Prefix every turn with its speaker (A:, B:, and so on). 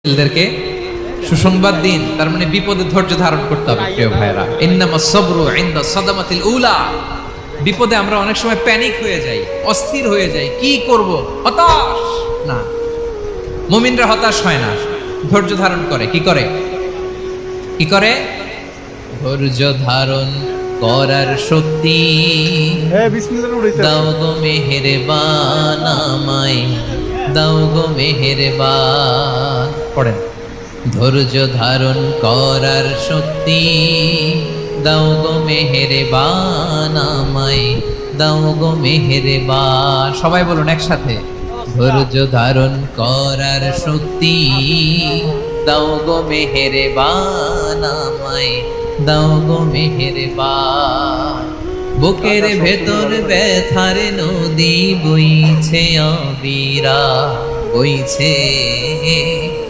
A: ছেলেদেরকে সুসংবাদ দিন, তার মানে বিপদে ধৈর্য ধারণ করতে হবে। প্রিয় ভাইরা, ইন্নামাস সাবরু ইনদা সাদামাতিল উলা। বিপদে আমরা অনেক সময় প্যানিক হয়ে যাই, অস্থির হয়ে যাই, কি করব, হতাশ না। মুমিনরা হতাশ হয় না, ধৈর্য ধারণ করে। কি করে? কি করে? ধৈর্য ধারণ করার শক্তি দাও গো মেহেরবান আমায়, দাও গো মেহেরবান। পড়েন, ধৈর্য ধারণ করার শক্তি দাও গো মেহেরবান আমায়, দাও গো মেহেরবান। সবাই বলুন একসাথে, ধৈর্য ধারণ করার শক্তি দাও গো মেহেরবান আমায়, দাও গো মেহেরবান। বুকের ভেতর ব্যথার নদী বইছে অবিরা, বইছে